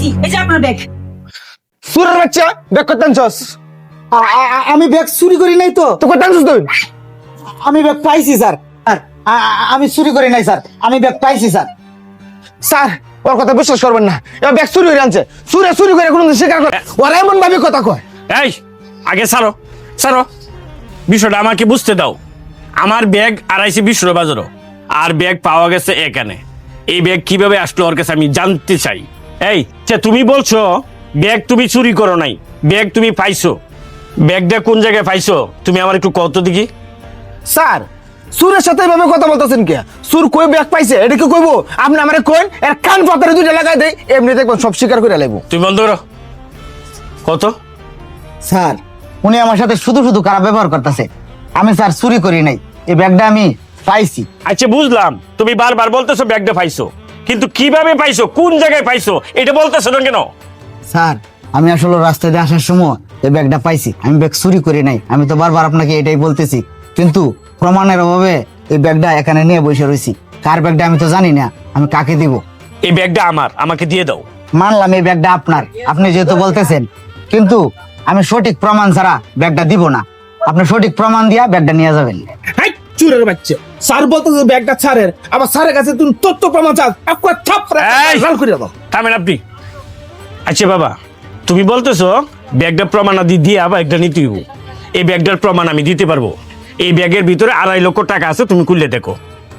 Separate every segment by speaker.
Speaker 1: এই যে আপনার ব্যাগ।
Speaker 2: সুরের বাচ্চা ব্যাগ করতে আনছস?
Speaker 3: আমি ব্যাগ চুরি করি নাই তো।
Speaker 2: তো করতে আনছস তুই?
Speaker 3: আমি ব্যাগ পাইছি স্যার। আমি চুরি করি নাই স্যার, আমি ব্যাগ পাইছি স্যার।
Speaker 2: স্যার ওর কথা বিশ্বাস করবেন না, এবার ব্যাগ চুরি করে আনছে। চুরি করে কোনো স্বীকার করে ওরা এমন ভাবে কথা কয়।
Speaker 4: এই আগে ছাড়ো ছাড়ো, বিষয়টা আমাকে বুঝতে দাও। আমার ব্যাগ 250 বাজারও, আর ব্যাগ পাওয়া গেছে এখানে। এই ব্যাগ কিভাবে আসলো ওর কাছে আমি জানতে চাই। এই তুমি বলছো ব্যাগ তুমি চুরি করো নাই, ব্যাগ তুমি পাইছো। ব্যাগটা কোন জায়গায় পাইছো তুমি আমার একটু কত দেখি।
Speaker 2: স্যার সুরের সাথে এভাবে কথা বলতেছেন কে? সুর কই ব্যাগ পাইছে এটা কি কইবো? আপনি আমারে কইন এর কান পাতারে দুইটা লাগাই দেই, এমনি দেখবেন সব স্বীকার করে লাইবো।
Speaker 4: তুমি বন্ধ করো। কত?
Speaker 3: স্যার উনি আমার সাথে শুধু শুধু খারাপ ব্যবহার করতেছে। আমি স্যার চুরি করি নাই, এই ব্যাগটা আমি পাইছি।
Speaker 4: আচ্ছা বুঝলাম, তুমি বারবার বলতেছো ব্যাগটা পাইছো, কিন্তু কিভাবে পাইছো, কোন জায়গায় পাইছো এটা বলতেছো না কেন?
Speaker 3: স্যার আমি আসলে রাস্তায় দিয়ে আসার সময় এই ব্যাগটা পাইছি, আমি ব্যাগ চুরি করি নাই। আমি তো বারবার আপনাকে এটাই বলতেছি, কিন্তু প্রমাণের অভাবে এই ব্যাগটা এখানে নিয়ে বসে রয়েছি। কার ব্যাগটা আমি তো জানি না, আমি কাকে দিব?
Speaker 4: এই ব্যাগটা আমার, আমাকে দিয়ে দাও।
Speaker 3: মানলাম এই ব্যাগটা আপনার, আপনি যেহেতু বলতেছেন, কিন্তু আমি সঠিক প্রমাণ ছাড়া ব্যাগটা দিব না। আপনি সঠিক প্রমাণ দিয়া ব্যাগটা নিয়ে যাবেন।
Speaker 2: হাই চুরের বাচ্চা, স্যার বলতেছে ব্যাগটা স্যারের, আবার স্যারের কাছে তুমি তথ্য প্রমাণ চাস, একবার থাপড়া
Speaker 4: এই!
Speaker 2: লাল করে দাও।
Speaker 4: থামেন আপনি। আচ্ছা বাবা, তুমি বলতেছো ব্যাগটা প্রমাণাদি দিয়ে ব্যাগটা নিতে হইব। এই ব্যাগটার প্রমাণ আমি দিতে পারবো। এই ব্যাগের ভিতরে 2.5 লক্ষ টাকা আছে, তুমি খুললে দেখো।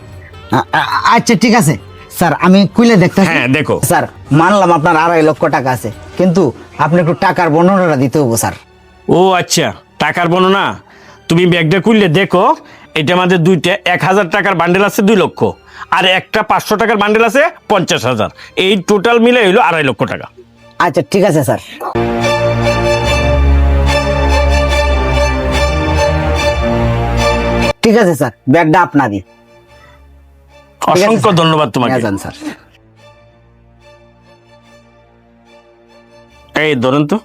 Speaker 3: আচ্ছা ঠিক আছে স্যার, আমি খুলে দেখতে।
Speaker 4: হ্যাঁ, দেখো।
Speaker 3: স্যার মানলাম আপনার 2.5 লক্ষ টাকা আছে, কিন্তু আপনি একটু টাকার বর্ণনাটা দিতে হবো স্যার।
Speaker 4: ও আচ্ছা, টাকার বর্ণনা। তুমি ব্যাগটা খুললে দেখো, এটা আমাদের দুইটা 1,000 টাকার বান্ডেল আছে 2 লক্ষ, আর একটা 500 টাকার বান্ডেল আছে 50,000। এই টোটাল মিলে হইলো 2.5 লক্ষ টাকা।
Speaker 3: আচ্ছা ঠিক আছে স্যার। ঠিক আছে স্যার, ব্যাগটা আপনারই।
Speaker 4: অসংখ্য ধন্যবাদ তোমাকে।
Speaker 3: যান স্যার।
Speaker 4: এই ধরেন তো।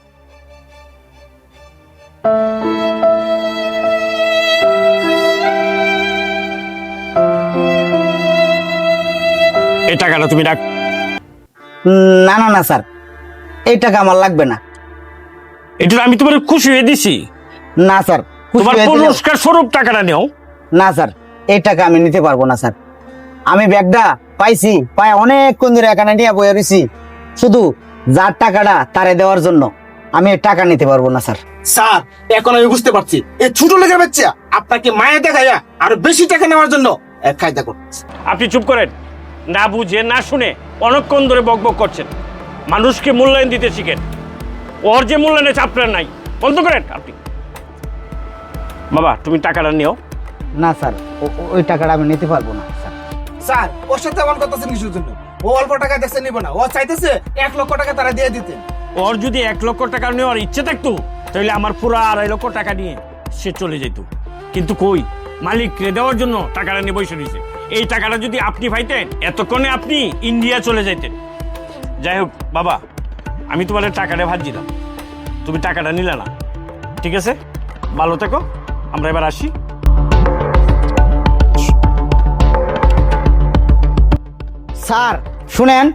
Speaker 4: এই টাকাটা তুমি রাখ।
Speaker 3: না না না স্যার, এই টাকা আমার লাগবে না।
Speaker 4: এটা আমি তোমার খুশি হয়ে দিছি।
Speaker 3: না স্যার, খুশি
Speaker 4: তোমার
Speaker 3: হয়ে দিলে-
Speaker 4: পুরস্কার স্বরূপ টাকাটা নেও।
Speaker 3: না স্যার, এই টাকা আমি নিতে পারবো না স্যার। আমি ব্যাগটা পাইছি, পাই অনেকক্ষণ ধরে এখানে নিয়ে বয়ে রয়েছি, শুধু যার টাকাটা তারে দেওয়ার জন্য। আমি এই টাকা নিতে পারবো না স্যার।
Speaker 2: স্যার এখন আমি বুঝতে পারছি এই ছোট লেগে বাচ্চা আপনাকে মায়া দেখাইয়া আরো বেশি টাকা নেওয়ার জন্য এক কায়দা করছে।
Speaker 4: আপনি চুপ করেন, না বুঝে না শুনে অনেকক্ষণ ধরে বকবক করছেন। মানুষকে মূল্যায়ন দিতে শিখেন, ওর যে মূল্যায়নের আপনার নাই। বন্ধ করেন আপনি। বাবা তুমি টাকাটা নিও।
Speaker 3: না স্যার, ওই টাকাটা আমি নিতে পারবো না স্যার।
Speaker 2: স্যার ওর সাথে এমন করতেছেন কিছুর জন্য? ও অল্প টাকা দেখছে নিব না, ও চাইতেছে 1 লক্ষ টাকা তারা দিয়ে দিতে।
Speaker 4: ওর যদি 1 লক্ষ টাকা নেওয়ার ইচ্ছে থাকতো, তাহলে আমার পুরো 2.5 লক্ষ টাকা নিয়ে সে চলে যেত। কিন্তু কই, মালিককে দেওয়ার জন্য টাকাটা নিয়ে বসে রয়েছে। এই টাকাটা যদি আপনি পাইতেন, এতক্ষণে আপনি ইন্ডিয়া চলে যাইতেন। যাই হোক বাবা, আমি তোমার টাকাটা ভাত দিলাম, তুমি টাকাটা নিলে না। ঠিক আছে, ভালো থেকো, আমরা এবার আসি।
Speaker 3: স্যার শুনেন,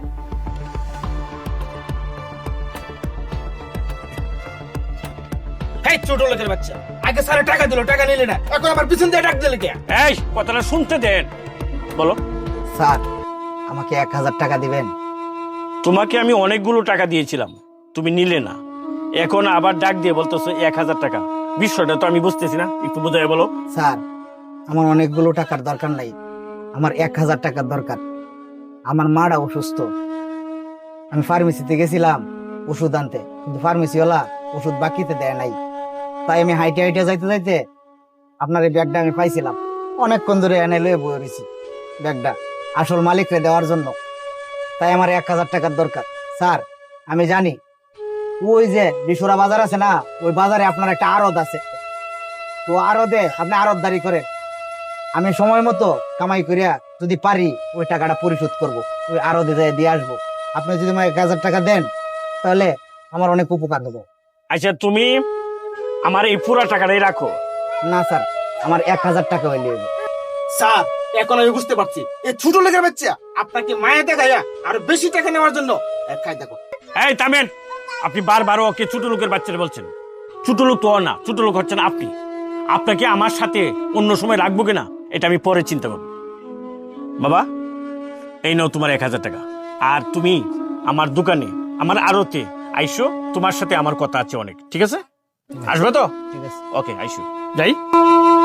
Speaker 2: এই ছোট লোকের বাচ্চা, আগে স্যার টাকা দিল, টাকা নিলে না, এখন আমার পিছন দিয়ে ডাক দিলে কে?
Speaker 4: এই কথাটা শুনতে দেন, বলো।
Speaker 3: স্যার আমাকে 1000 টাকা দিবেন?
Speaker 4: তোমাকে আমি অনেকগুলো টাকা দিয়েছিলাম, তুমি নিলে না। এখন আবার ডাক দিয়ে বলতেছো 1000 টাকা। বিষয়টা তো আমি বুঝতেছি না, একটু বোঝায় বলো।
Speaker 3: স্যার আমার অনেকগুলো টাকার দরকার নাই, আমার 1000 টাকার দরকার। আমার মারা অসুস্থ, আমি ফার্মেসিতে গেছিলাম ওষুধ আনতে, কিন্তু ফার্মেসিওয়ালা ওষুধ বাকিতে দেয় নাই। তাই আমি হাইটে হাইটে যাইতে যাইতে আপনার এই ব্যাগটা আমি পাইছিলাম, অনেকক্ষণ ধরে এনে লয়ে বয়ে রয়েছি ব্যাগটা আসল মালিকরে দেওয়ার জন্য। তাই আমার 1000 টাকার দরকার। স্যার আমি জানি ওই যে বিশুরা বাজার আছে না, ওই বাজারে আপনার একটা আড়ত আছে, তো আড়তে আপনি আড়তদারি করেন। আমি সময় মতো কামাই করিয়া যদি পারি ওই টাকাটা পরিশোধ করব, ওই আড়তে যাই দিয়ে আসবো। আপনি যদি আমাকে 1000 টাকা দেন তাহলে আমার অনেক উপকার দেবো।
Speaker 4: আচ্ছা তুমি আমার এই পুরো টাকাটাই রাখো।
Speaker 3: না স্যার, আমার 1000 টাকা হইলে হইবে।
Speaker 2: স্যার এখন আমি বুঝতে পারছি এই ছোট লেগে বাচ্চা আপনাকে মায়া দেখাইয়া আরো বেশি টাকা নেওয়ার জন্য এক কায়দা করছে।
Speaker 4: এই থামেন, আপনি বারবার ওকে ছোট লোকের বাচ্চারা বলছেন। ছোট লোক তো ও না, ছোট লোক হচ্ছেন আপনি। আপনাকে আমার সাথে অন্য সময় রাখবো কিনা এটা আমি পরে চিন্তা করবো। বাবা, এই নাও তোমার 1000 টাকা। আর তুমি আমার দোকানে, আমার আড়তে আইসো, তোমার সাথে আমার কথা আছে অনেক, ঠিক আছে? আসবে তো?
Speaker 3: ঠিক আছে।
Speaker 4: ওকে, আইসো, যাই।